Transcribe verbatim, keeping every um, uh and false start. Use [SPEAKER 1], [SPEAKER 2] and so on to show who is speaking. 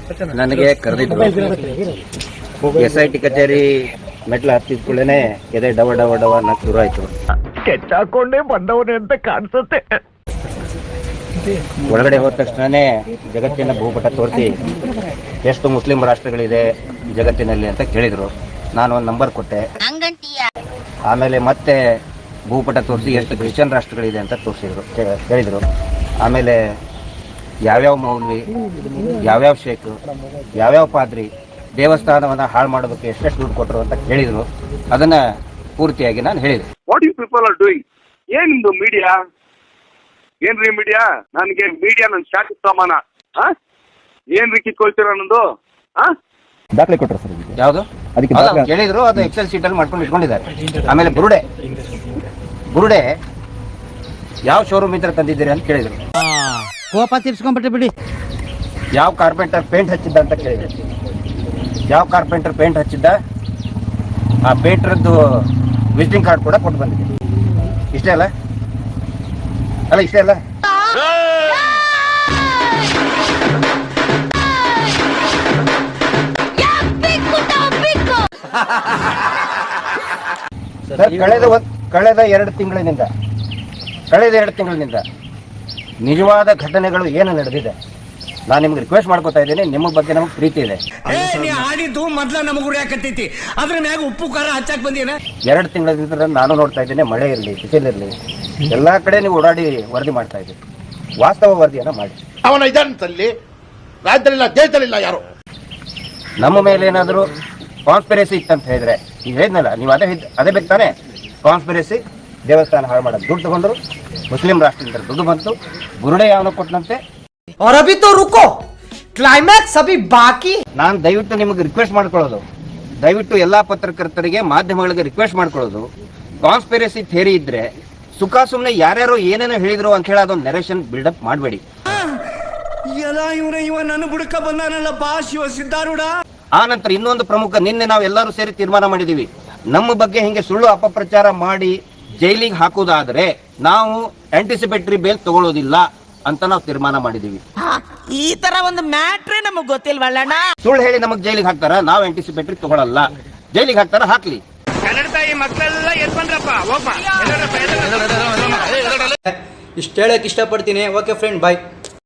[SPEAKER 1] ನನಗೆ ಕರೆದಿದ್ರು S I T ಕಚೇರಿ ಮೆಟ್ಲು ಹತ್ತಿದ ಕೂಡಲೇ ಎದೆ ಡವ ಡವ ಡವ ಅನ್ನಕ್ಕೆ ಶುರು ಆಯ್ತು.
[SPEAKER 2] ಕೆಚ್ಚಾಕೊಂಡೇ ಬಂದವನೇ ಅಂತ ಕಾಣಿಸುತ್ತೆ.
[SPEAKER 1] ಒಳಗಡೆ ಹೋದ ತಕ್ಷಣನೇ ಜಗತ್ತಿನ ಭೂಪಟ ತೋರಿಸಿ ಎಷ್ಟು ಮುಸ್ಲಿಂ ರಾಷ್ಟ್ರಗಳಿದೆ ಜಗತ್ತಿನಲ್ಲಿ ಅಂತ ಕೇಳಿದ್ರು. ನಾನು ಒಂದು ನಂಬರ್ ಕೊಟ್ಟೆ. ಆಮೇಲೆ ಮತ್ತೆ ಭೂಪಟ ತೋರಿಸಿ ಎಷ್ಟು ಕ್ರಿಶ್ಚಿಯನ್ ರಾಷ್ಟ್ರಗಳಿದೆ ಅಂತ ತೋರಿಸಿದ್ರು ಹೇಳಿದರು. ಆಮೇಲೆ ಯಾವ್ಯಾವ ಮೌಲ್ವಿ, ಯಾವ್ಯಾವ ಶೇಖು, ಯಾವ್ಯಾವ ಪಾದ್ರಿ ದೇವಸ್ಥಾನವನ್ನು ಹಾಳು ಮಾಡೋದಕ್ಕೆ ಎಷ್ಟೆಷ್ಟು ದುಡ್ಡು ಕೊಟ್ಟರು ಅಂತ ಕೇಳಿದರು. ಅದನ್ನು ಪೂರ್ತಿಯಾಗಿ ನಾನು ಹೇಳಿದೆ.
[SPEAKER 3] What you people are doing? ಏನ್ ನಿಮ್ದು ಮೀಡಿಯಾ? ಏನ್ರಿ ಮೀಡಿಯಾ? ನನಗೆ ಮೀಡಿಯಾ ನನ್ನ ಶಾಖ ಸಾಮಾನ. ಏನ್ರಿ ಕಿತ್ಕೊಳ್ತೀರ ಅನ್ನೋದು?
[SPEAKER 1] ದಾಖಲೆ ಕೊಟ್ಟರು ಸರ್. ಯಾವುದು ಕೇಳಿದ್ರು, ಅದು ಎಕ್ಸೆಲ್ ಶೀಟ್ ಅಲ್ಲಿ ಮಾಡ್ಕೊಂಡು ಇಟ್ಕೊಂಡಿದ್ದಾರೆ. ಆಮೇಲೆ ಬುರುಡೆ ಬುರುಡೆ ಯಾವ ಶೋರೂಮ್ ಇದ್ರೆ ತಂದಿದ್ದೀರಿ ಅಂತ ಕೇಳಿದ್ರು.
[SPEAKER 4] ಕೋಪ ತೀರ್ಸ್ಕೊಂಡ್ಬಿಟ್ಟೆ ಬಿಡಿ.
[SPEAKER 1] ಯಾವ ಕಾರ್ಪೆಂಟರ್ ಪೇಂಟ್ ಹಚ್ಚಿದ್ದ ಅಂತ ಕೇಳಿದ್ರು. ಯಾವ ಕಾರ್ಪೆಂಟರ್ ಪೇಂಟ್ ಹಚ್ಚಿದ್ದ ಆ ಪೇಂಟ್ರದ್ದು ವಿಸಿಟಿಂಗ್ ಕಾರ್ಡ್ ಕೂಡ ಕೊಟ್ಟು ಬಂದಿದೆ. ಇಷ್ಟೇ ಅಲ್ಲ ಅಲ್ಲ ಇಷ್ಟೇ ಅಲ್ಲ ಕಳೆದ ಒಂದು ಕಳೆದ ಎರಡು ತಿಂಗಳಿನಿಂದ ಕಳೆದ ಎರಡು ತಿಂಗಳಿನಿಂದ ನಿಜವಾದ ಘಟನೆಗಳು ಏನು ನಡೆದಿದೆ ನಾನು ನಿಮ್ಗೆ ರಿಕ್ವೆಸ್ಟ್ ಮಾಡ್ಕೋತಾ ಇದ್ದೀನಿ. ನಿಮ್ಮ ಬಗ್ಗೆ ನಮಗೆ ಪ್ರೀತಿ ಇದೆ.
[SPEAKER 2] ಆಡಿದ್ದು ಮೊದ್ಲ ನಮಗ್ ಉರಿಯಾಕತ್ತೈತಿ, ಅದ್ರ ಮ್ಯಾಗ ಉಪ್ಪು ಖಾರ ಹಚ್ಚಾಕ್ ಬಂದಿನ.
[SPEAKER 1] ಎರಡು ತಿಂಗಳಿಂದ ನಾನು ನೋಡ್ತಾ ಇದ್ದೇನೆ, ಮಳೆ ಇರಲಿ ಬಿಸಿಲಿರಲಿ ಎಲ್ಲಾ ಕಡೆ ನೀವು ಓಡಾಡಿ ವರದಿ ಮಾಡ್ತಾ ಇದ್ದೀವಿ. ವಾಸ್ತವ ವರದಿಯನ್ನ ಮಾಡಿ.
[SPEAKER 5] ಅವನ ಇದಂತಲ್ಲಿ ರಾಜ್ಯದಲ್ಲಿಲ್ಲ, ದೇಶದಲ್ಲಿಲ್ಲ ಯಾರು.
[SPEAKER 1] ನಮ್ಮ ಮೇಲೆ ಏನಾದರೂ ಕಾನ್ಸ್ಪಿರಸಿ ಇತ್ತಂತ ಹೇಳಿದ್ರೆ ಈಗ ಹೇಳಿದ್ನಲ್ಲ ನೀವು, ಅದೇ ಅದೇ ಬೇಕು ತಾನೆ. ಕಾನ್ಸ್ಪಿರಸಿ, ದೇವಸ್ಥಾನ ಹಾಳು ಮಾಡೋದು, ದುಡ್ಡು ತಗೊಂಡ್ರು, ಮುಸ್ಲಿಂ ರಾಷ್ಟ್ರದಿಂದ ದುಡ್ಡು ಬಂತು, ಬುರುಡೆ ಯಾವನೋ ಕೊಟ್ಟನಂತೆ.
[SPEAKER 4] और अभी तो रुको, क्लाइमैक्स अभी बाकी.
[SPEAKER 1] ನಾನು ದಯವಿಟ್ಟು ನಿಮಗೆ ರಿಕ್ವೆಸ್ಟ್ ಮಾಡ್ಕೊಳ್ಳೋದು, ದಯವಿಟ್ಟು ಎಲ್ಲಾ ಪತ್ರಕರ್ತರಿಗೆ ಮಾಧ್ಯಮಗಳಿಗೆ ರಿಕ್ವೆಸ್ಟ್ ಮಾಡ್ಕೊಳ್ಳೋದು, ಕಾನ್ಸ್ಪಿರಸಿ ಥಿಯರಿ ಇದ್ರೆ ಸುಖ ಸುಮ್ಮನೆ ಯಾರ್ಯಾರು ಏನೇನೋ ಹೇಳಿದ್ರು ಅಂತ ಹೇಳಿ ಅದೊಂದು ನೆರೇಷನ್ ಬಿಲ್ಡಪ್ ಮಾಡಬೇಡಿ.
[SPEAKER 2] ಎಲ್ಲ ಇವ್ರ ಇವ ನನ್ನ ಬುಡಕ ಬಂದಾನಲ್ಲ ಬಾ ಶಿವ ಸಿದ್ಧಾರೂಢ.
[SPEAKER 1] ಆ ನಂತರ ಇನ್ನೊಂದು ಪ್ರಮುಖ, ನಿನ್ನೆ ನಾವು ಎಲ್ಲರೂ ಸೇರಿ ತೀರ್ಮಾನ ಮಾಡಿದೀವಿ, ನಮ್ಮ ಬಗ್ಗೆ ಹಿಂಗೆ ಸುಳ್ಳು ಅಪಪ್ರಚಾರ ಮಾಡಿ ಜೈಲಿಗೆ ಹಾಕುವುದಾದ್ರೆ ನಾವು ಆಂಟಿಸಿಪೇಟರಿ ಬೇಲ್ ತಗೊಳ್ಳೋದಿಲ್ಲ ಅಂತ ನಾವು ತೀರ್ಮಾನ ಮಾಡಿದೀವಿ.
[SPEAKER 4] ಈ ತರ ಒಂದು ಮ್ಯಾಟ್ರೇ ನಮಗ್ ಗೊತ್ತಿಲ್ವಲ್ಲಣ್ಣ.
[SPEAKER 1] ಸುಳ್ಳು ಹೇಳಿ ನಮಗ್ ಜೈಲಿಗೆ ಹಾಕ್ತಾರ, ನಾವು ಆಂಟಿಸಿಪೇಟರಿ ತಗೊಳ್ಳಲ್ಲ. ಜೈಲಿಗೆ ಹಾಕ್ತಾರ, ಹಾಕ್ಲಿ.
[SPEAKER 2] ಕನ್ನಡ ತಾಯಿ ಮಕ್ಕಳೆಲ್ಲ ಎದ್ ಬಂದ್ರಪ್ಪ, ಹೋಗ್ಬಾ.
[SPEAKER 6] ಇಷ್ಟು ಹೇಳಕ್ ಇಷ್ಟಪಡ್ತೀನಿ. ಓಕೆ ಫ್ರೆಂಡ್, ಬಾಯ್.